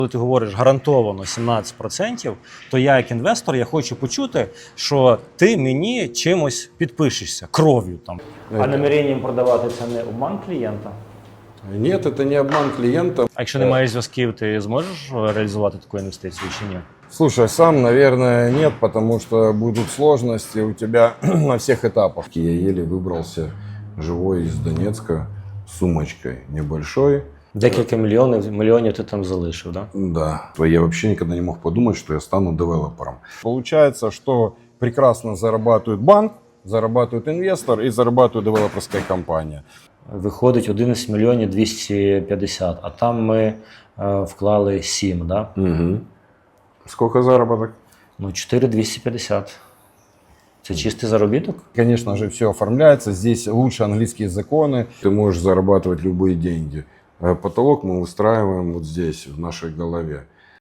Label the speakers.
Speaker 1: Коли ти говориш гарантовано 17%, то я як інвестор, я хочу почути, що ти мені чимось підпишешся, кров'ю там. А наміренням продавати це не обман клієнта?
Speaker 2: Нет, это не обман клиента.
Speaker 1: А якщо не маєш зв'язків, ти зможеш реалізувати таку інвестицію чи ні?
Speaker 2: Слушай, сам, наверное, нет, потому что будут сложности у тебя на всех этапах. Я еле выбрался живой из Донецка с сумочкой небольшой.
Speaker 1: Декілька мільйонів ти там залишив, да?
Speaker 2: Да. Я вообще никогда не мог подумать, что я стану девелопером. Получается, что прекрасно зарабатывает банк, зарабатывает инвестор и зарабатывает девелоперская компания.
Speaker 1: Виходить 11 мільйонів 250, а там ми вклали 7, да?
Speaker 2: Угу. Сколько заработок?
Speaker 1: Ну, 4,250. Це чистий заробіток?
Speaker 2: Конечно же, все оформляется. Здесь лучше английские законы. Ты можешь зарабатывать любые деньги. Потолок мы устраиваем вот здесь, в нашей голове.